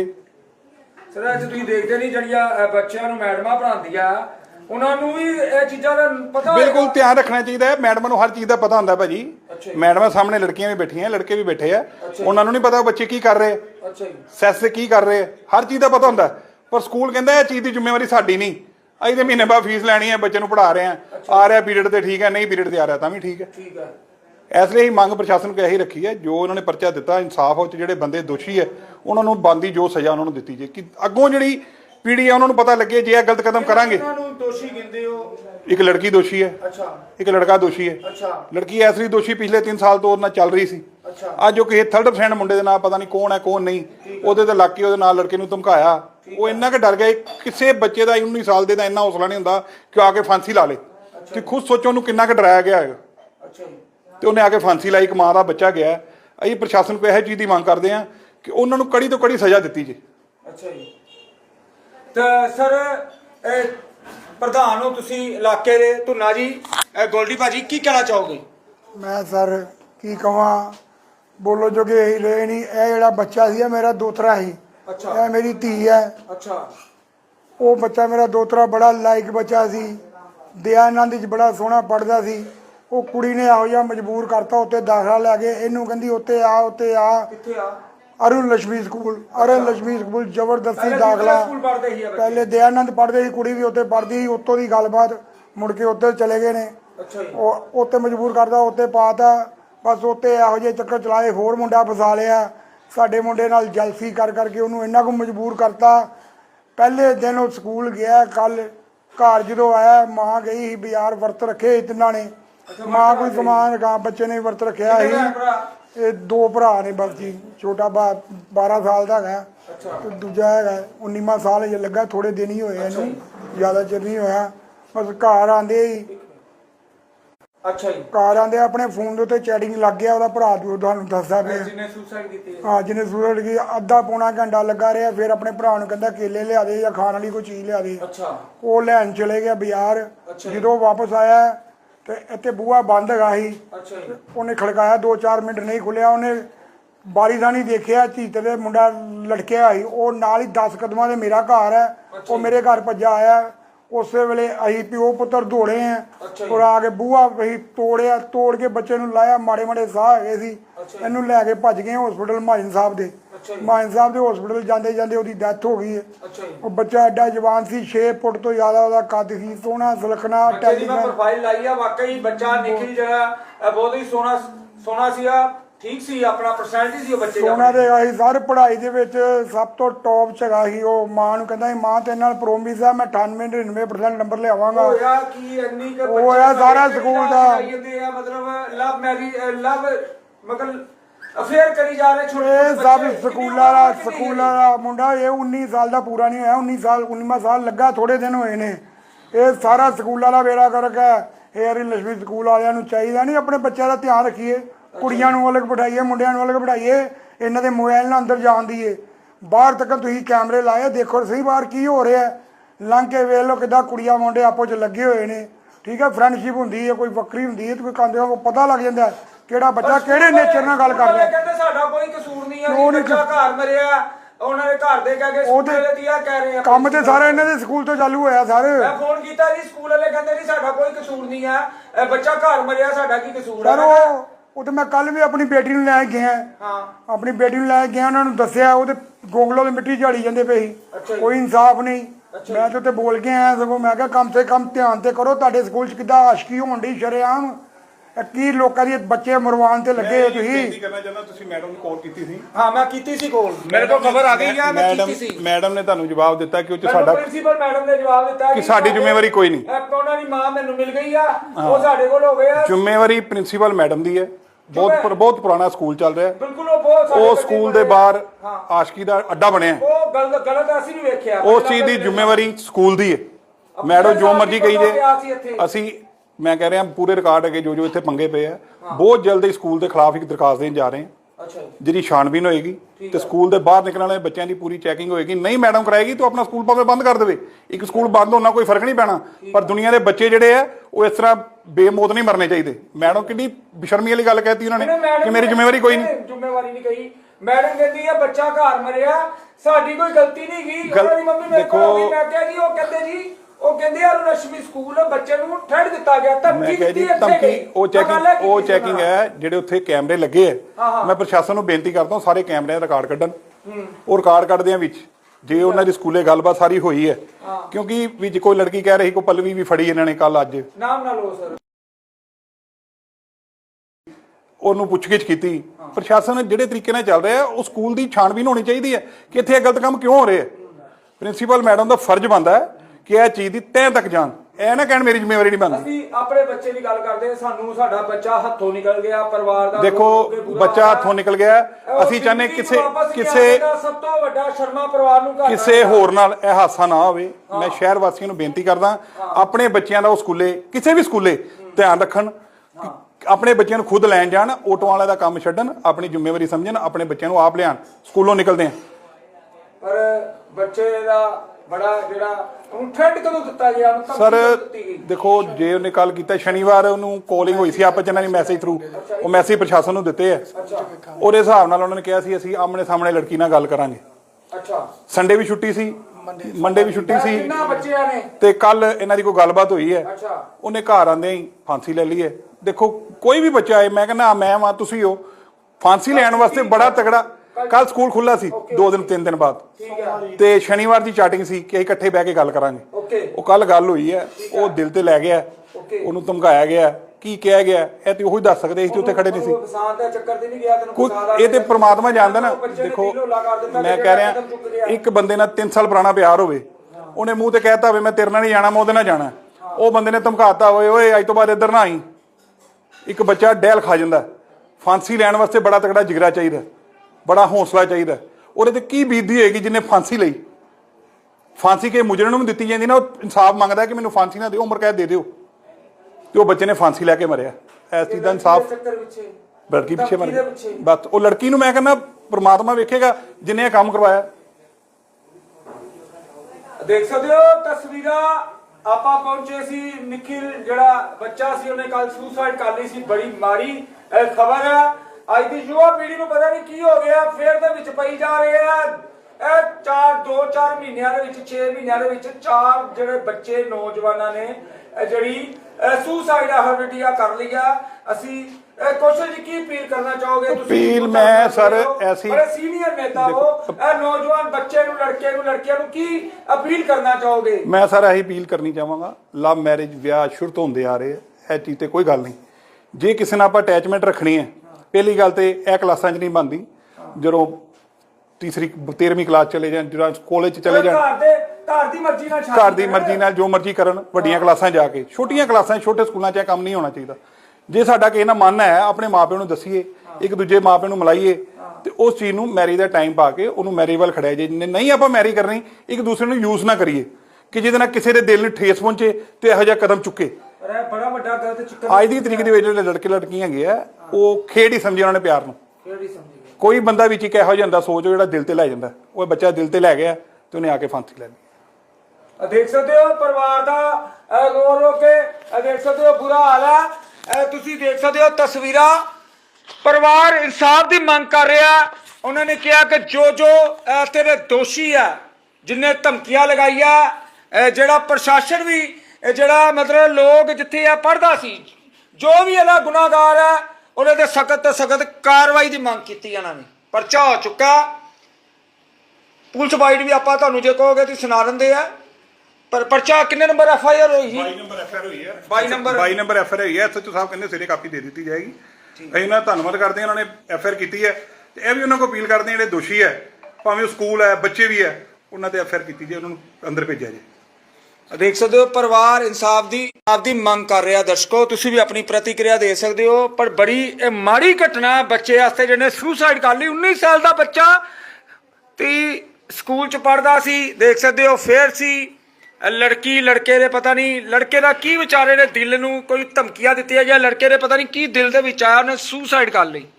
Speaker 1: ਸਰ ਅੱਜ ਤੁਸੀਂ ਦੇਖਦੇ ਨਹੀਂ ਜਿਹੜੀਆਂ ਬੱਚਿਆਂ ਨੂੰ ਮੈਡਮਾਂ ਪੜ੍ਹਾਉਂਦੀਆਂ, ਉਹਨਾਂ ਨੂੰ ਵੀ ਇਹ ਚੀਜ਼ਾਂ ਦਾ ਪਤਾ
Speaker 3: ਬਿਲਕੁਲ ਧਿਆਨ ਰੱਖਣਾ ਚਾਹੀਦਾ ਹੈ। ਮੈਡਮਾਂ ਨੂੰ ਹਰ ਚੀਜ਼ ਦਾ ਪਤਾ ਹੁੰਦਾ ਭਾਜੀ। ਮੈਡਮਾਂ ਸਾਹਮਣੇ ਲੜਕੀਆਂ ਵੀ ਬੈਠੀਆਂ, ਲੜਕੇ ਵੀ ਬੈਠੇ ਆ, ਉਹਨਾਂ ਨੂੰ ਨਹੀਂ ਪਤਾ ਬੱਚੇ ਕੀ ਕਰ ਰਹੇ,
Speaker 1: ਅੱਛਾ ਜੀ,
Speaker 3: ਸੈਸ ਤੇ ਕੀ ਕਰ ਰਹੇ, ਹਰ ਚੀਜ਼ ਦਾ ਪਤਾ ਹੁੰਦਾ। ਪਰ ਸਕੂਲ ਕਹਿੰਦਾ ਇਹ ਚੀਜ਼ ਦੀ ਜ਼ਿੰਮੇਵਾਰੀ ਸਾਡੀ ਨਹੀਂ। ਅਸੀਂ ਦੇ ਮਹੀਨੇ ਬਾਅਦ ਫੀਸ ਲੈਣੀ ਹੈ, ਬੱਚੇ ਨੂੰ ਪੜ੍ਹਾ ਰਹੇ ਆ ਰਿਹਾ ਪੀਰੀਅਡ ਤੇ ਠੀਕ ਹੈ, ਨਹੀਂ ਪੀਰੀਅਡ ਤੇ ਆ ਰਿਹਾ ਤਾਂ ਵੀ ਠੀਕ ਹੈ।
Speaker 1: ਠੀਕ ਹੈ।
Speaker 3: ਇਸ ਲਈ ਮੰਗ ਪ੍ਰਸ਼ਾਸਨ ਕੋਲ ਇਹੀ ਰੱਖੀ ਹੈ, ਜੋ ਉਹਨਾਂ ਨੇ ਪਰਚਾ ਦਿੱਤਾ ਇਨਸਾਫ ਹੋ, ਜਿਹੜੇ ਬੰਦੇ ਦੋਸ਼ੀ ਹੈ ਉਹਨਾਂ ਨੂੰ ਬਣਦੀ ਜੋ ਸਜ਼ਾ ਉਹਨਾਂ ਨੂੰ ਦਿੱਤੀ ਜੇ, ਕਿ ਅੱਗੋਂ ਜਿਹੜੀ ਪੀੜ੍ਹੀ ਹੈ ਉਹਨਾਂ ਨੂੰ ਪਤਾ ਲੱਗੇ ਜੇ ਇਹ ਗਲਤ ਕਦਮ ਕਰਾਂਗੇ।
Speaker 1: ਉਹਨਾਂ ਨੂੰ ਦੋਸ਼ੀ ਗਿਣਦੇ ਹੋ?
Speaker 3: ਇੱਕ ਲੜਕੀ ਦੋਸ਼ੀ ਹੈ,
Speaker 1: ਅੱਛਾ,
Speaker 3: ਇੱਕ ਲੜਕਾ ਦੋਸ਼ੀ ਹੈ।
Speaker 1: ਅੱਛਾ।
Speaker 3: ਲੜਕੀ ਐਸੀ ਦੋਸ਼ੀ ਪਿਛਲੇ 3 ਸਾਲ ਤੋਂ ਉਹਦੇ ਨਾਲ ਚੱਲ ਰਹੀ ਸੀ।
Speaker 1: ਅੱਛਾ।
Speaker 3: ਅੱਜ ਉਹ ਕਿਸੇ 3rd ਮੁੰਡੇ ਦੇ ਨਾਲ ਪਤਾ ਨਹੀਂ ਕੌਣ ਹੈ ਕੌਣ ਨਹੀਂ, ਉਹਦੇ ਤੇ ਲੱਗ ਕੇ ਉਹਦੇ ਨਾਲ ਲੜਕੇ ਨੂੰ ਧਮਕਾਇਆ। ਉਹ ਇੰਨਾ ਕਿ ਡਰ ਗਿਆ, ਕਿਸੇ ਬੱਚੇ ਦਾ 19 ਸਾਲ ਦੇ ਦਾ ਇੰਨਾ ਹੌਸਲਾ ਨਹੀਂ ਹੁੰਦਾ ਕਿ ਆ ਕੇ ਫਾਂਸੀ ਲਾ ਲੇ। ਤੇ ਖੁਦ ਸੋਚੋ ਉਹਨੂੰ ਕਿੰਨਾ ਕੁ ਡਰਾਇਆ ਗਿਆ ਹੈਗਾ।
Speaker 1: ਅੱਛਾ ਜੀ।
Speaker 3: ਤੇ ਉਹਨੇ ਆ ਕੇ ਫਾਂਸੀ ਲਾਈ, ਇੱਕ ਮਾਂ ਦਾ ਬੱਚਾ ਗਿਆ। ਅਸੀਂ ਪ੍ਰਸ਼ਾਸਨ ਕੋਲ ਇਹੋ ਚੀਜ਼ ਦੀ ਮੰਗ ਕਰਦੇ ਹਾਂ ਕਿ ਉਹਨਾਂ ਨੂੰ ਕੜੀ ਤੋਂ ਕੜੀ ਸਜ਼ਾ ਦਿੱਤੀ ਜੇ।
Speaker 1: ਅੱਛਾ ਜੀ। ਤਾਂ ਸਰ ਪ੍ਰਧਾਨ ਹੋ ਤੁਸੀਂ ਇਲਾਕੇ ਦੇ, ਧੁੰਨਾ ਜੀ, ਗੋਲਡੀ ਭਾਜੀ ਕੀ ਕਹਿਣਾ ਚਾਹੋਗੇ?
Speaker 4: ਮੈਂ ਸਰ ਕੀ ਕਹਾਂ, ਬੋਲੋ ਜੋਗੇ ਇਹੀ ਰਹੇ ਨਹੀਂ। ਇਹ ਜਿਹੜਾ ਬੱਚਾ ਸੀ ਮੇਰਾ ਦੋਤਰਾ ਸੀ।
Speaker 1: ਅੱਛਾ।
Speaker 4: ਇਹ ਮੇਰੀ ਧੀ ਹੈ।
Speaker 1: ਅੱਛਾ।
Speaker 4: ਉਹ ਬੱਚਾ ਮੇਰਾ ਦੋਤਰਾ ਬੜਾ ਲਾਇਕ ਬੱਚਾ ਸੀ, ਦਇਆਨੰਦ ਵਿੱਚ ਬੜਾ ਸੋਹਣਾ ਪੜ੍ਹਦਾ ਸੀ। ਉਹ ਕੁੜੀ ਨੇ ਇਹੋ ਜਿਹਾ ਮਜਬੂਰ ਕਰਤਾ, ਉੱਤੇ ਦਾਖਲਾ ਲੈ ਕੇ ਇਹਨੂੰ ਕਹਿੰਦੀ ਉੱਤੇ ਆ, ਉੱਤੇ ਆ।
Speaker 1: ਕਿੱਥੇ ਆ?
Speaker 4: ਅਰੁਣ ਲక్ష్ਮੀ ਸਕੂਲ, ਅਰੁਣ ਲక్ష్ਮੀ ਸਕੂਲ ਜ਼ਬਰਦਸਤੀ ਦਾਖਲਾ।
Speaker 1: ਸਕੂਲ ਪੜ੍ਹਦੇ ਸੀ
Speaker 4: ਪਹਿਲੇ ਦਇਆਨੰਦ ਪੜ੍ਹਦੇ ਸੀ, ਕੁੜੀ ਵੀ ਉੱਤੇ ਪੜ੍ਹਦੀ ਸੀ। ਉੱਤੋਂ ਦੀ ਗੱਲਬਾਤ ਮੁੜ ਕੇ ਉੱਧਰ ਚਲੇ ਗਏ ਨੇ।
Speaker 1: ਅੱਛਾ ਜੀ।
Speaker 4: ਉਹ ਉੱਤੇ ਮਜਬੂਰ ਕਰਦਾ, ਉੱਤੇ ਪਾਤਾ। ਬਸ ਉੱਤੇ ਇਹੋ ਜਿਹੇ ਚੱਕਰ ਚਲਾਏ, ਹੋਰ ਮੁੰਡਾ ਫਸਾ ਲਿਆ। ਸਾਡੇ ਮੁੰਡੇ ਨਾਲ ਜਲਸੀ ਕਰ ਕਰਕੇ ਉਹਨੂੰ ਇੰਨਾ ਕੁ ਮਜਬੂਰ ਕਰਤਾ। ਪਹਿਲੇ ਦਿਨ ਉਹ ਸਕੂਲ ਗਿਆ, ਕੱਲ ਘਰ ਜਦੋਂ ਆਇਆ ਮਾਂ ਗਈ ਸੀ ਬਾਜ਼ਾਰ, ਵਰਤ ਰੱਖੇ ਤਿੰਨਾਂ ਨੇ। ਮਾਂ ਕੋਈ ਸਮਾਨ ਰਖਾ, ਬੱਚੇ ਨੇ ਵਰਤ ਰੱਖਿਆ ਸੀ। ਇਹ 2 ਭਰਾ ਨੇ ਬਸ ਜੀ। ਛੋਟਾ 12 ਸਾਲ ਦਾ ਹੈਗਾ ਤੇ ਦੂਜਾ ਹੈਗਾ 19ਵਾਂ ਸਾਲ ਅਜੇ ਲੱਗਾ, ਥੋੜੇ ਦਿਨ ਹੀ ਹੋਏ ਇਹਨੂੰ, ਜ਼ਿਆਦਾ ਚਿਰ ਨਹੀਂ ਹੋਇਆ। ਬਸ ਘਰ ਆਂਦੇ ਹੀ
Speaker 1: ਅੱਛਾ ਜੀ।
Speaker 4: ਘਰ ਆਂਦੇ ਆਪਣੇ ਫੋਨ ਦੇ ਉੱਤੇ ਚੈਟਿੰਗ ਲੱਗ ਗਿਆ। ਉਹਦਾ ਭਰਾ ਵੀ ਤੁਹਾਨੂੰ ਦੱਸਦਾ ਪਿਆ
Speaker 1: ਜਿਹਨੇ ਸੁਸਾਈਡ ਕੀਤੀ ਹੈ।
Speaker 4: ਹਾਂ, ਜਿਹਨੇ ਸੁਸਾਈਡ ਕੀਤੀ। ਅੱਧਾ ਪੌਣਾ ਘੰਟਾ ਲੱਗਾ ਰਿਹਾ, ਫਿਰ ਆਪਣੇ ਭਰਾ ਨੂੰ ਕਹਿੰਦਾ ਕੇਲੇ ਲਿਆ ਦੇ ਜਾਂ ਖਾਣ ਵਾਲੀ ਕੋਈ ਚੀਜ਼ ਲਿਆ ਦੇ।
Speaker 1: ਅੱਛਾ।
Speaker 4: ਉਹ ਲੈਣ ਚਲੇ ਗਿਆ ਬਾਜ਼ਾਰ। ਜਦੋਂ ਵਾਪਸ ਆਇਆ ਤੇ ਇੱਥੇ ਬੂਹਾ ਬੰਦ ਹੈਗਾ ਸੀ।
Speaker 1: ਅੱਛਾ ਜੀ।
Speaker 4: ਉਹਨੇ ਖੜਕਾਇਆ, 2-4 ਮਿੰਟ ਨਹੀਂ ਖੁੱਲਿਆ। ਉਹਨੇ ਬਾਰੀ ਦਾ ਨਹੀਂ ਦੇਖਿਆ, ਧੀਤੇ ਦੇ ਮੁੰਡਾ ਲਟਕਿਆ ਸੀ। ਉਹ ਨਾਲ ਹੀ 10 ਕਦਮਾਂ ਦੇ ਮੇਰਾ ਘਰ ਹੈ, ਉਹ ਮੇਰੇ ਘਰ ਭੱਜਾ ਆਇਆ। ਉਸੇ ਵੇਲੇ ਅਸੀਂ ਪਿਓ ਪੁੱਤਰ ਦੌੜੇ ਆ, ਔਰ ਆ ਕੇ ਬੂਹਾ ਅਸੀਂ ਤੋੜਿਆ। ਤੋੜ ਕੇ ਬੱਚੇ ਨੂੰ ਲਾਇਆ, ਮਾੜੇ ਮਾੜੇ ਸਾਹ ਹੈਗੇ ਸੀ। ਇਹਨੂੰ ਲੈ ਕੇ ਭੱਜ ਗਏ ਹਸਪੀਟਲ ਮਹਾਜਨ ਸਾਹਿਬ ਦੇ। ਮਹਾਜਨ ਸਾਹਿਬ ਦੇ ਹਸਪੀਟਲ ਜਾਂਦੇ ਜਾਂਦੇ ਉਹਦੀ ਡੈਥ ਹੋ ਗਈ ਹੈ। ਉਹ ਬੱਚਾ ਐਡਾ ਜਵਾਨ ਸੀ, 6 ਫੁੱਟ ਤੋਂ ਜ਼ਿਆਦਾ ਉਹਦਾ ਕੱਦ ਸੀ, ਸੋਹਣਾ ਸੁਲਖਣਾ।
Speaker 1: ਪ੍ਰੋਫਾਈਲ ਲਾਈ ਆ, ਵਾਕਈ ਬੱਚਾ ਨਿੱਕੀ ਜਿਹੜਾ ਬਹੁਤ ਹੀ ਸੋਹਣਾ ਸੀਗਾ, ਠੀਕ ਸੀ, ਆਪਣਾ ਪਰਸੈਂਟੇਜ ਸੀ ਉਹ ਬੱਚੇ ਦਾ।
Speaker 4: ਸੋਹਣਾ ਦੇ ਆਈ ਸਰ, ਪੜ੍ਹਾਈ ਦੇ ਵਿੱਚ ਸਭ ਤੋਂ ਟੌਪ ਚ ਹੈਗਾ ਸੀ। ਉਹ ਮਾਂ ਨੂੰ ਕਹਿੰਦਾ ਸੀ, ਮਾਂ ਤੇਰੇ ਨਾਲ ਪ੍ਰੋਮਿਸ ਆ, ਮੈਂ 98-99% ਨੰਬਰ ਲਿਆਵਾਂਗਾ।
Speaker 1: ਹੋਇਆ ਕੀ ਇੰਨੀ ਕੁ
Speaker 4: ਉਹ ਹੋਇਆ ਸਾਰਾ ਸਕੂਲ ਦਾ।
Speaker 1: ਮਤਲਬ ਲਵ ਮੈਰਿਜ, ਮਤਲਬ ਅਫੇਅਰ ਕਰੀ ਜਾ ਰਹੇ ਛੋਟੇ
Speaker 4: ਇਹ ਸਭ ਸਕੂਲਾਂ ਦਾ ਮੁੰਡਾ। ਇਹ 19 ਸਾਲ ਦਾ ਪੂਰਾ ਨਹੀਂ ਹੋਇਆ, 19ਵਾਂ ਸਾਲ ਲੱਗਾ, ਥੋੜੇ ਦਿਨ ਹੋਏ ਨੇ। ਇਹ ਸਾਰਾ ਸਕੂਲਾਂ ਦਾ ਬੇੜਾ ਗਰਕ ਹੈ। ਇਹ ਅਰੁਣ ਲక్ష్ਮੀ ਸਕੂਲ ਵਾਲਿਆਂ ਨੂੰ ਚਾਹੀਦਾ ਨਹੀਂ, ਆਪਣੇ ਬੱਚਿਆਂ ਦਾ ਧਿਆਨ ਰੱਖੀਏ। ਕੁੜੀਆਂ ਨੂੰ ਅਲੱਗ ਬਿਠਾਈਏ, ਮੁੰਡਿਆਂ ਨੂੰ ਅਲੱਗ ਬਿਠਾਈਏ। ਇਹਨਾਂ ਦੇ ਮੋਬਾਈਲ ਨਾਲ ਅੰਦਰ ਜਾਣ ਦੀਏ। ਬਾਹਰ ਤੱਕ ਤੁਸੀਂ ਕੈਮਰੇ ਲਾਏ, ਦੇਖੋ ਸਹੀ ਬਾਹਰ ਕੀ ਹੋ ਰਿਹਾ। ਲੰਘ ਕੇ ਵੇਖ ਲਓ ਕਿੱਦਾਂ ਕੁੜੀਆਂ ਮੁੰਡੇ ਆਪੋ 'ਚ ਲੱਗੇ ਹੋਏ ਨੇ। ਠੀਕ ਹੈ, ਫਰੈਂਡਸ਼ਿਪ ਹੁੰਦੀ ਹੈ, ਕੋਈ ਵੱਖਰੀ ਹੁੰਦੀ ਹੈ, ਤੇ ਕੋਈ ਕਾਂਦੇ ਨੂੰ ਪਤਾ ਲੱਗ ਜਾਂਦਾ ਕਿਹੜਾ ਬੱਚਾ ਕਿਹੜੇ ਨੇਚਰ ਨਾਲ ਗੱਲ ਕਰ ਰਿਹਾ।
Speaker 1: ਕਹਿੰਦੇ ਸਾਡਾ ਕੋਈ ਕਸੂਰ ਨਹੀਂ ਹੈ, ਬੱਚਾ ਘਰ ਮਰਿਆ, ਉਹਨਾਂ ਦੇ ਘਰ ਦੇ ਕਹਿ ਕੇ
Speaker 4: ਉਹ
Speaker 1: ਸਕੂਲ
Speaker 4: ਤੇ
Speaker 1: ਵਾਲੇ ਦੀ ਆ ਕਹਿ ਰਹੇ ਆ
Speaker 4: ਕੰਮ ਤੇ ਸਾਰਾ ਇਹਨਾਂ ਦੇ ਸਕੂਲ ਤੋਂ ਚਾਲੂ ਹੋਇਆ ਸਰ।
Speaker 1: ਮੈਂ ਫੋਨ ਕੀਤਾ ਜੀ, ਸਕੂਲ ਵਾਲੇ ਕਹਿੰਦੇ ਜੀ ਸਾਡਾ ਕੋਈ ਕਸੂਰ ਨਹੀਂ ਆ, ਇਹ ਬੱਚਾ ਘਰ ਮਰਿਆ, ਸਾਡਾ ਕੀ ਕਸੂਰ
Speaker 4: ਸਰ
Speaker 1: ਆ।
Speaker 4: ਉਹ ਤੇ ਮੈਂ ਕੱਲ ਵੀ ਆਪਣੀ ਬੇਟੀ ਨੂੰ ਲੈ ਗਿਆ,
Speaker 1: ਹਾਂ
Speaker 4: ਆਪਣੀ ਬੇਟੀ ਨੂੰ ਲੈ ਗਿਆ, ਉਹਨਾਂ ਨੂੰ ਦੱਸਿਆ, ਉਹਦੇ ਗੋਗਲੋਂ ਦੀ ਮਿੱਟੀ ਝਾੜੀ ਜਾਂਦੇ ਪਏ
Speaker 1: ਅੱਛਾ
Speaker 4: ਸੀ,
Speaker 1: ਜੀ।
Speaker 4: ਕੋਈ ਇਨਸਾਫ ਨਹੀਂ।
Speaker 1: ਅੱਛਾ
Speaker 4: ਮੈਂ ਤੇ ਉੱਤੇ ਬੋਲ ਕੇ ਆਇਆ, ਸਗੋਂ ਮੈਂ ਕਿਹਾ ਕਮ ਸੇ ਕਮ ਧਿਆਨ ਤੇ ਕਰੋ, ਤੁਹਾਡੇ ਸਕੂਲ 'ਚ ਕਿੱਦਾਂ ਆਸ਼ਕੀ ਹੋਣ ਡਈ ਸ਼ਰੇਆਮ, ਇਹ ਕੀ ਲੋਕਾਂ ਦੀ ਬੱਚੇ ਮਰਵਾਉਣ ਤੇ ਲੱਗੇ ਹੋ ਤੁਸੀਂ।
Speaker 3: ਬੇਨਤੀ ਕਰਨਾ ਚਾਹੁੰਦਾ, ਤੁਸੀਂ ਮੈਡਮ ਨੂੰ ਕਾਲ ਕੀਤੀ ਸੀ?
Speaker 1: ਹਾਂ ਮੈਂ ਕੀਤੀ ਸੀ ਕਾਲ, ਮੇਰੇ ਕੋਲ ਖਬਰ ਆ ਗਈ ਆ, ਮੈਂ ਕੀਤੀ ਸੀ।
Speaker 3: ਮੈਡਮ ਨੇ ਤੁਹਾਨੂੰ ਜਵਾਬ ਦਿੱਤਾ ਕਿ ਉਹ 'ਚ
Speaker 1: ਸਾਡਾ
Speaker 3: ਸਾਡਾ
Speaker 1: ਪ੍ਰਿੰਸੀਪਲ ਮੈਡਮ ਨੇ ਜਵਾਬ ਦਿੱਤਾ
Speaker 3: ਕਿ ਸਾਡੀ ਜ਼ਿੰਮੇਵਾਰੀ ਕੋਈ ਨਹੀਂ।
Speaker 1: ਉਹਨਾਂ ਦੀ ਮਾਂ ਮੈਨੂੰ ਮਿਲ ਗਈ ਆ, ਉਹ ਸਾਡੇ ਕੋਲ ਹੋ ਗਏ ਆ।
Speaker 3: ਜ਼ਿੰਮੇਵਾਰੀ ਪ੍ਰਿੰਸੀਪਲ ਮੈਡਮ ਦੀ ਹੈ। ਬਹੁਤ ਪੁਰਾਣਾ ਸਕੂਲ ਚੱਲ ਰਿਹਾ ਹੈ।
Speaker 1: ਬਿਲਕੁਲ ਉਹ ਬਹੁਤ ਸਾਰੇ
Speaker 3: ਉਹ
Speaker 1: ਬੱਚੇ
Speaker 3: ਸਕੂਲ
Speaker 1: ਪੜ੍ਹੇ
Speaker 3: ਦੇ ਬਾਹਰ
Speaker 1: ਹਾਂ।
Speaker 3: ਆਸ਼ਕੀ ਦਾ ਅੱਡਾ ਬਣਿਆ।
Speaker 1: ਉਹ ਗਲਤ ਅਸੀਂ ਵੀ ਵੇਖਿਆ।
Speaker 3: ਉਸ ਚੀਜ਼ ਦੀ ਜ਼ਿੰਮੇਵਾਰੀ ਸਕੂਲ ਦੀ ਹੈ। ਮੈਡਮ ਜੋ ਮਰਜ਼ੀ ਕਹੀ ਜੇ, ਅਸੀਂ ਮੈਂ ਕਹਿ ਰਿਹਾ ਪੂਰੇ ਰਿਕਾਰਡ ਹੈਗੇ ਜੋ ਇੱਥੇ ਪੰਗੇ ਪਏ ਆ, ਬਹੁਤ ਜਲਦੀ ਸਕੂਲ ਦੇ ਖਿਲਾਫ ਇੱਕ ਦਰਖਾਸਤ ਦੇਣ ਜਾ ਰਹੇ ਹਾਂ।
Speaker 1: ਅੱਛਾ ਜੀ।
Speaker 3: ਜਿਹਦੀ ਛਾਣਬੀਨ ਹੋਏਗੀ ਤੇ ਸਕੂਲ ਦੇ ਬਾਹਰ ਨਿਕਲਣ ਵਾਲੇ ਬੱਚਿਆਂ ਦੀ ਪੂਰੀ ਚੈਕਿੰਗ ਹੋਏਗੀ। ਨਹੀਂ ਮੈਡਮ ਕਰਾਏਗੀ ਤਾਂ ਆਪਣਾ ਸਕੂਲ ਭਾਵੇਂ ਬੰਦ ਕਰ ਦੇਵੇ। ਇੱਕ ਸਕੂਲ ਬੰਦ ਹੋਣਾ ਕੋਈ ਫਰਕ ਨਹੀਂ ਪੈਣਾ, ਪਰ ਦੁਨੀਆ ਦੇ ਬੱਚੇ ਜਿਹੜੇ ਆ ਉਹ ਇਸ ਤਰ੍ਹਾਂ ਬੇਮੌਤ ਨਹੀਂ ਮਰਨੇ ਚਾਹੀਦੇ। ਮੈਡਮ ਕਿੰਨੀ ਬੇਸ਼ਰਮੀ ਵਾਲੀ ਗੱਲ ਕਹਿਤੀ ਉਹਨਾਂ ਨੇ ਕਿ ਮੇਰੀ ਜ਼ਿੰਮੇਵਾਰੀ ਕੋਈ ਨਹੀਂ।
Speaker 1: ਜ਼ਿੰਮੇਵਾਰੀ ਨਹੀਂ ਕਹੀ ਮੈਡਮ, ਕਹਿੰਦੀ ਆ ਬੱਚਾ ਘਰ ਮਰਿਆ, ਸਾਡੀ ਕੋਈ ਗਲਤੀ ਨਹੀਂ ਗਈ। ਉਹਨਾਂ ਦੀ ਮੰਮੀ ਮੇਰੇ ਕੋਲ ਆ ਗਈ, ਮੈਂ ਕਿਹਾ ਜੀ, ਉਹ ਕਹਿੰਦੇ ਜੀ, ਉਹ ਕਹਿੰਦੇ ਆ ਲక్ష్ਮੀ ਸਕੂਲ ਬੱਚੇ ਨੂੰ ਠੱਡ ਦਿੱਤਾ ਗਿਆ, ਧਮਕੀ ਦਿੱਤੀ ਇੱਥੇ
Speaker 3: ਧਮਕੀ। ਉਹ ਚੈਕਿੰਗ ਹੈ, ਜਿਹੜੇ ਉੱਥੇ ਕੈਮਰੇ ਲੱਗੇ ਆ। ਮੈਂ ਪ੍ਰਸ਼ਾਸਨ ਨੂੰ ਬੇਨਤੀ ਕਰਦਾ ਹਾਂ ਸਾਰੇ ਕੈਮਰਿਆਂ ਦਾ ਰਿਕਾਰਡ ਕੱਢਣ। ਉਹ ਰਿਕਾਰਡ ਕੱਢਦਿਆਂ ਵਿੱਚ ਜੇ ਉਹਨਾਂ ਦੀ ਸਕੂਲੇ ਗੱਲਬਾਤ ਸਾਰੀ ਹੋਈ ਹੈ, ਕਿਉਂਕਿ ਵਿੱਚ ਕੋਈ ਲੜਕੀ ਕਹਿ ਰਹੀ, ਕੋਈ ਪਲਵੀ ਵੀ ਫੜੀ ਇਹਨਾਂ ਨੇ ਕੱਲ ਅੱਜ,
Speaker 1: ਨਾਮ ਨਾ ਲਓ ਸਰ,
Speaker 3: ਉਹਨੂੰ ਪੁੱਛਗਿੱਛ ਕੀਤੀ। ਪ੍ਰਸ਼ਾਸਨ ਜਿਹੜੇ ਤਰੀਕੇ ਨਾਲ ਚੱਲ ਰਿਹਾ, ਉਹ ਸਕੂਲ ਦੀ ਛਾਣਬੀਨ ਹੋਣੀ ਚਾਹੀਦੀ ਹੈ ਕਿ ਇੱਥੇ ਇਹ ਗਲਤ ਕੰਮ ਕਿਉਂ ਹੋ ਰਹੇ ਹੈ। ਪ੍ਰਿੰਸੀਪਲ ਮੈਡਮ ਦਾ ਫਰਜ਼ ਬਣਦਾ ਹੈ ਕਿ ਇਹ ਚੀਜ਼ ਦੀ ਤਹਿ ਤੱਕ ਜਾਣ। ਇਹ ਨਾ ਕਹਿਣ ਮੇਰੀ ਜ਼ਿੰਮੇਵਾਰੀ ਨਹੀਂ ਬਣਦੀ।
Speaker 1: ਅਸੀਂ ਆਪਣੇ ਬੱਚੇ ਦੀ ਗੱਲ ਕਰਦੇ, ਸਾਨੂੰ ਸਾਡਾ ਬੱਚਾ ਹੱਥੋਂ ਨਿਕਲ ਗਿਆ, ਪਰਿਵਾਰ ਦਾ
Speaker 3: ਦੇਖੋ ਬੱਚਾ ਹੱਥੋਂ ਨਿਕਲ ਗਿਆ। ਅਸੀਂ ਚਾਹੁੰਦੇ ਕਿਸੇ
Speaker 1: ਸਭ ਤੋਂ ਵੱਡਾ ਸ਼ਰਮਾ ਪਰਿਵਾਰ ਨੂੰ ਘਰ
Speaker 3: ਕਿਸੇ ਹੋਰ ਨਾਲ ਇਹ ਹਾਦਸਾ ਨਾ ਹੋਵੇ। ਮੈਂ ਸ਼ਹਿਰ ਵਾਸੀਆਂ ਨੂੰ ਬੇਨਤੀ ਕਰਦਾ, ਆਪਣੇ ਬੱਚਿਆਂ ਦਾ ਉਹ ਸਕੂਲੇ, ਕਿਸੇ ਵੀ ਸਕੂਲੇ ਧਿਆਨ ਰੱਖਣ, ਆਪਣੇ ਬੱਚਿਆਂ ਨੂੰ ਖੁਦ ਲੈਣ ਜਾਣ, ਆਟੋ ਵਾਲੇ ਦਾ ਕੰਮ ਛੱਡਣ, ਆਪਣੀ ਜ਼ਿੰਮੇਵਾਰੀ ਸਮਝਣ, ਆਪਣੇ ਬੱਚਿਆਂ ਨੂੰ ਆਪ ਲਿਆਣ। ਸਕੂਲੋਂ ਨਿਕਲਦੇ ਆ
Speaker 1: ਪਰ ਬੱਚੇ ਦਾ ਬੜਾ ਜਿਹੜਾ ਉਹਨੂੰ ਠੰਡ ਕਦੋਂ ਦਿੱਤਾ ਗਿਆ, ਉਹਨੂੰ
Speaker 3: ਸਰ ਦੇਖੋ, ਜੇ ਉਹਨੇ ਕੱਲ ਕੀਤਾ ਸ਼ਨੀਵਾਰ, ਉਹਨੂੰ ਕਾਲਿੰਗ ਹੋਈ ਸੀ ਆਪਸ ਚ ਇਹਨਾਂ ਦੀ ਮੈਸੇਜ ਥਰੂ, ਉਹ ਮੈਸੇਜ ਪ੍ਰਸ਼ਾਸਨ ਨੂੰ ਦਿੱਤੇ ਆ। ਉਹਦੇ ਹਿਸਾਬ ਨਾਲ ਉਹਨਾਂ ਨੇ ਕਿਹਾ ਸੀ ਅਸੀਂ ਆਮਣੇ ਸਾਹਮਣੇ ਲੜਕੀ ਨਾਲ ਗੱਲ ਕਰਾਂਗੇ।
Speaker 1: ਅੱਛਾ,
Speaker 3: ਸੰਡੇ ਵੀ ਛੁੱਟੀ ਸੀ, ਮੰਡੇ ਵੀ ਛੁੱਟੀ ਸੀ,
Speaker 1: ਕਿੰਨਾ ਬੱਚਿਆਂ ਨੇ
Speaker 3: ਤੇ ਕੱਲ ਇਹਨਾਂ ਦੀ ਕੋਈ ਗੱਲਬਾਤ ਹੋਈ ਹੈ।
Speaker 1: ਅੱਛਾ,
Speaker 3: ਉਹਨੇ ਘਰ ਆਂਦੇ ਹੀ ਫਾਂਸੀ ਲੈ ਲਈ ਹੈ। ਦੇਖੋ ਕੋਈ ਵੀ ਬੱਚਾ ਹੈ, ਮੈਂ ਕਹਿੰਦਾ ਮੈਂ ਵਾਂ ਤੁਸੀਂ ਹੋ, ਫਾਂਸੀ ਲੈਣ ਵਾਸਤੇ ਬੜਾ ਤਗੜਾ। ਕੱਲ ਸਕੂਲ ਖੁੱਲਾ ਸੀ 2 ਦਿਨ 3 ਦਿਨ ਬਾਅਦ, ਤੇ ਸ਼ਨੀਵਾਰ ਦੀ ਚਾਟਿੰਗ ਸੀ ਕਿ ਅਸੀਂ ਇਕੱਠੇ ਬਹਿ ਕੇ ਗੱਲ ਕਰਾਂਗੇ। ਉਹ ਕੱਲ ਗੱਲ ਹੋਈ ਹੈ, ਉਹ ਦਿਲ ਤੇ ਲੈ ਗਿਆ, ਉਹਨੂੰ ਧਮਕਾਇਆ ਗਿਆ, ਕੀ ਕਿਹਾ ਗਿਆ ਇਹ ਤੇ ਉਹੀ ਦੱਸ ਸਕਦੇ ਸੀ, ਉੱਥੇ ਖੜੇ ਨਹੀਂ ਸੀ। ਇਹ ਤੇ ਪ੍ਰਮਾਤਮਾ ਜਾਣਦਾ ਨਾ। ਦੇਖੋ ਮੈਂ ਕਹਿ ਰਿਹਾ, ਇੱਕ ਬੰਦੇ ਨਾਲ 3 ਸਾਲ ਪੁਰਾਣਾ ਪਿਆਰ ਹੋਵੇ, ਉਹਨੇ ਮੂੰਹ ਤੇ ਕਹਿਤਾ ਹੋਵੇ ਮੈਂ ਤੇਰੇ ਨਾਲ ਨਹੀਂ ਜਾਣਾ, ਮੈਂ ਉਹਦੇ ਨਾਲ ਜਾਣਾ, ਉਹ ਬੰਦੇ ਨੇ ਧਮਕਾਤਾ ਹੋਏ ਓਏ ਅੱਜ ਤੋਂ ਬਾਅਦ ਇੱਧਰ ਨਾ ਆਈ, ਇੱਕ ਬੱਚਾ ਡੈਲ ਖਾ ਜਾਂਦਾ। ਫਾਂਸੀ ਲੈਣ ਵਾਸਤੇ ਬੜਾ ਤਕੜਾ ਜਿਗਰਾ ਚਾਹੀਦਾ, ਬੜਾ ਹੌਸਲਾ ਚਾਹੀਦਾ। ਉਹਦੇ ਤੇ ਕੀ ਬੀਤਦੀ ਹੋਏਗੀ ਜਿਹਨੇ ਫਾਂਸੀ ਲਈ। ਫਾਂਸੀ ਕੇ ਮੁਜਰਮ ਨੂੰ ਦਿੱਤੀ ਜਾਂਦੀ ਨਾ, ਉਹ ਇਨਸਾਫ ਮੰਗਦਾ ਕਿ ਮੈਨੂੰ ਫਾਂਸੀ ਨਾ ਦਿਓ, ਉਮਰ ਕੈਦ ਦੇ ਦਿਓ, ਤੇ ਉਹ ਬੱਚੇ ਨੇ ਫਾਂਸੀ ਲੈ ਕੇ ਮਰਿਆ। ਇਸ ਚੀਜ਼ ਦਾ ਇਨਸਾਫ ਲੜਕੀ ਪਿੱਛੇ ਮਰ ਗਈ। ਬਸ ਉਹ ਲੜਕੀ ਨੂੰ ਮੈਂ ਕਹਿੰਦਾ ਪ੍ਰਮਾਤਮਾ ਵੇਖੇਗਾ ਜਿਹਨੇ ਇਹ ਕੰਮ ਕਰਵਾਇਆ।
Speaker 1: ਦੇਖ ਸਕਦੇ ਹੋ ਤਸਵੀਰਾਂ, ਆਪਾਂ ਪਹੁੰਚੇ ਸੀ, ਨਿਖਿਲ ਜਿਹੜਾ ਬੱਚਾ ਸੀ ਉਹਨੇ ਕੱਲ ਸੁਸਾਈਡ ਕਰ ਲਈ ਸੀ। ਬੜੀ ਮਾੜੀ ਖਬਰ ਹੈ। ਅੱਜ ਦੀ ਯੁਵਾ ਪੀੜ੍ਹੀ ਨੂੰ ਪਤਾ ਨਹੀਂ ਕੀ ਹੋ ਗਿਆ, ਫੇਰ ਦੇ ਵਿੱਚ ਪਈ ਜਾ ਰਹੇ ਆ। ਇਹ 2-4 ਮਹੀਨਿਆਂ ਦੇ ਵਿੱਚ, 6 ਮਹੀਨਿਆਂ ਦੇ ਵਿੱਚ 4 ਜਿਹੜੇ ਬੱਚੇ ਨੌਜਵਾਨਾਂ ਨੇ ਜਿਹੜੀ ਸੁਸਾਈਡ ਹਰਨਟੀਆ ਕਰ ਲਿਆ। ਅਸੀਂ ਕੌਸ਼ਲ ਜੀ ਕੀ ਅਪੀਲ ਕਰਨਾ ਚਾਹੋਗੇ?
Speaker 3: ਅਪੀਲ ਮੈਂ ਸਰ ਐਸੀ
Speaker 1: ਬੜੇ ਸੀਨੀਅਰ ਨੇਤਾ ਹੋ, ਇਹ ਨੌਜਵਾਨ ਬੱਚੇ ਨੂੰ, ਲੜਕਿਆਂ ਨੂੰ ਕੀ ਅਪੀਲ ਕਰਨਾ ਚਾਹੋਗੇ?
Speaker 3: ਮੈਂ ਸਰ ਇਹੀ ਅਪੀਲ ਕਰਨੀ ਚਾਹਾਂਗਾ, ਲਵ ਮੈਰਿਜ ਵਿਆਹ ਸ਼ੁਰੂ ਤੋਂ ਹੁੰਦੇ ਆ ਰਹੇ ਆ, ਇਹ ਚੀਜ਼ ਤੇ ਕੋਈ ਗੱਲ ਨਹੀਂ। ਜੇ ਕਿਸੇ ਨਾਲ ਆਪਾਂ ਅਟੈਚਮੈਂਟ ਰੱਖਣੀ ਹੈ, ਪਹਿਲੀ ਗੱਲ ਤੇ ਇਹ ਕਲਾਸਾਂ 'ਚ ਨਹੀਂ ਬਣਦੀ। ਜਦੋਂ 13ਵੀਂ ਕਲਾਸ ਚਲੇ ਜਾਣ, ਜਦੋਂ ਕਾਲਜ 'ਚ ਚਲੇ ਜਾਣ,
Speaker 1: ਘਰ ਦੀ ਮਰਜ਼ੀ ਨਾਲ
Speaker 3: ਜੋ ਮਰਜ਼ੀ ਕਰਨ। ਵੱਡੀਆਂ ਕਲਾਸਾਂ ਜਾ ਕੇ, ਛੋਟੀਆਂ ਕਲਾਸਾਂ ਛੋਟੇ ਸਕੂਲਾਂ 'ਚ ਇਹ ਕੰਮ ਨਹੀਂ ਹੋਣਾ ਚਾਹੀਦਾ। ਜੇ ਸਾਡਾ ਕਿਸੇ ਨਾਲ ਮਨ ਹੈ, ਆਪਣੇ ਮਾਪਿਆਂ ਨੂੰ ਦੱਸੀਏ, ਇੱਕ ਦੂਜੇ ਮਾਪਿਆਂ ਨੂੰ ਮਿਲਾਈਏ, ਤੇ ਉਸ ਚੀਜ਼ ਨੂੰ ਮੈਰਿਜ ਦਾ ਟਾਈਮ ਪਾ ਕੇ ਉਹਨੂੰ ਮੈਰਿਜ ਵੱਲ ਖੜਿਆ ਜੇ। ਨਹੀਂ ਆਪਾਂ ਮੈਰਿਜ ਕਰਨੀ, ਇੱਕ ਦੂਸਰੇ ਨੂੰ ਯੂਜ਼ ਨਾ ਕਰੀਏ ਕਿ ਜਿਹਦੇ ਨਾਲ ਕਿਸੇ ਦੇ ਦਿਲ ਨੂੰ ਠੇਸ ਪਹੁੰਚੇ ਤੇ ਇਹੋ ਜਿਹਾ ਕਦਮ ਚੁੱਕੇ।
Speaker 1: ਬੜਾ ਵੱਡਾ ਗਲਤ ਚੱਕਰ
Speaker 3: ਅੱਜ ਦੀ ਤਰੀਕ ਦੇ ਵਿੱਚ ਜਿਹੜੇ ਲੜਕੇ ਲੜਕੀਆਂ ਹੈਗੇ ਆ, ਉਹ ਖੇਡ ਹੀ ਸਮਝੇ ਉਹਨਾਂ ਨੇ ਪਿਆਰ ਨੂੰ। ਕੋਈ ਬੰਦਾ ਵਿੱਚ ਇੱਕ ਇਹੋ ਜਿਹਾ ਹੁੰਦਾ ਸੋਚ ਜਿਹੜਾ ਦਿਲ ਤੇ ਲੈ ਜਾਂਦਾ, ਉਹ ਬੱਚਾ ਦਿਲ ਤੇ ਲੈ ਗਿਆ ਤੇ ਉਹਨੇ ਆ ਕੇ ਫਾਂਸੀ ਲੈ ਲਈ।
Speaker 1: ਦੇਖ ਸਕਦੇ ਹੋ ਪਰਿਵਾਰ ਦਾ ਰੋ ਕੇ, ਦੇਖ ਸਕਦੇ ਹੋ ਬੁਰਾ ਹਾਲ ਹੈ। ਤੁਸੀਂ ਦੇਖ ਸਕਦੇ ਹੋ ਤਸਵੀਰਾਂ, ਪਰਿਵਾਰ ਇਨਸਾਫ ਦੀ ਮੰਗ ਕਰ ਰਿਹਾ। ਉਹਨਾਂ ਨੇ ਕਿਹਾ ਕਿ ਜੋ ਤੇਰੇ ਦੋਸ਼ੀ ਆ ਜਿਨ੍ਹਾਂ ਧਮਕੀਆਂ ਲਗਾਈਆਂ ਜਿਹੜਾ ਪ੍ਰਸ਼ਾਸਨ ਵੀ ਜਿਹੜਾ ਮਤਲਬ ਲੋਕ ਜਿੱਥੇ ਆ ਪੜ੍ਹਦਾ ਸੀ ਜੋ ਵੀ ਇਹਦਾ ਗੁਨਾਹਗਾਰ ਹੈ ਉਹਦੇ ਤੇ ਸਖਤ ਤੋਂ ਸਖਤ ਕਾਰਵਾਈ ਦੀ ਮੰਗ ਕੀਤੀ ਇਹਨਾਂ ਨੇ। ਪਰਚਾ ਹੋ ਚੁੱਕਾ, ਪੁਲਿਸ ਬਾਈਟ ਵੀ ਆਪਾਂ ਤੁਹਾਨੂੰ ਜੇ ਕਹੋਗੇ ਤੁਸੀਂ ਸੁਣਾ ਦਿੰਦੇ ਆ। ਪਰ ਪਰਚਾ ਕਿੰਨੇ ਨੰਬਰ FIR ਹੋਈ ਸੀ?
Speaker 3: 22 ਨੰਬਰ FIR ਹੋਈ ਹੈ।
Speaker 1: 22 ਨੰਬਰ
Speaker 3: FIR ਹੋਈ ਹੈ। ਐਸਐਚਓ ਸਾਹਿਬ ਕਹਿੰਦੇ ਸਿਰੇ ਕਾਪੀ ਦੇ ਦਿੱਤੀ ਜਾਏਗੀ। ਅਸੀਂ ਇਹਨਾਂ ਦਾ ਧੰਨਵਾਦ ਕਰਦੇ ਹਾਂ, ਉਹਨਾਂ ਨੇ FIR ਕੀਤੀ ਹੈ ਤੇ ਇਹ ਵੀ ਉਹਨਾਂ ਕੋਲ ਅਪੀਲ ਕਰਦੇ ਹਾਂ ਜਿਹੜੇ ਦੋਸ਼ੀ ਹੈ ਭਾਵੇਂ ਉਹ ਸਕੂਲ ਹੈ ਬੱਚੇ ਵੀ ਹੈ ਉਹਨਾਂ ਤੇ FIR ਕੀਤੀ ਜਾਏ, ਉਹਨਾਂ ਨੂੰ ਅੰਦਰ ਭੇਜਿਆ ਜਾਏ।
Speaker 1: ਦੇਖ ਸਕਦੇ ਹੋ ਪਰਿਵਾਰ ਇਨਸਾਫ ਦੀ ਮੰਗ ਕਰ ਰਿਹਾ। ਦਰਸ਼ਕੋ ਤੁਸੀਂ ਵੀ ਆਪਣੀ ਪ੍ਰਤੀਕਿਰਿਆ ਦੇ ਸਕਦੇ ਹੋ। ਪਰ ਬੜੀ ਇਹ ਮਾੜੀ ਘਟਨਾ ਬੱਚੇ ਵਾਸਤੇ ਜਿਹਨੇ ਸੁਸਾਈਡ ਕਰ ਲਈ। 19 ਸਾਲ ਦਾ ਬੱਚਾ ਤੇ ਸਕੂਲ ਚ ਪੜ੍ਹਦਾ ਸੀ, ਦੇਖ ਸਕਦੇ ਹੋ। ਫੇਰ ਸੀ ਲੜਕੀ ਲੜਕੇ ਦੇ ਪਤਾ ਨਹੀਂ ਲੜਕੇ ਦਾ ਕੀ ਵਿਚਾਰੇ ਨੇ ਦਿਲ ਨੂੰ ਕੋਈ ਧਮਕੀਆਂ ਦਿੱਤੀਆਂ ਜਾਂ ਲੜਕੇ ਦੇ ਪਤਾ ਨਹੀਂ ਕੀ ਦਿਲ ਦੇ ਵਿੱਚ ਆਇਆ ਉਹਨੇ ਸੁਸਾਈਡ ਕਰ ਲਈ।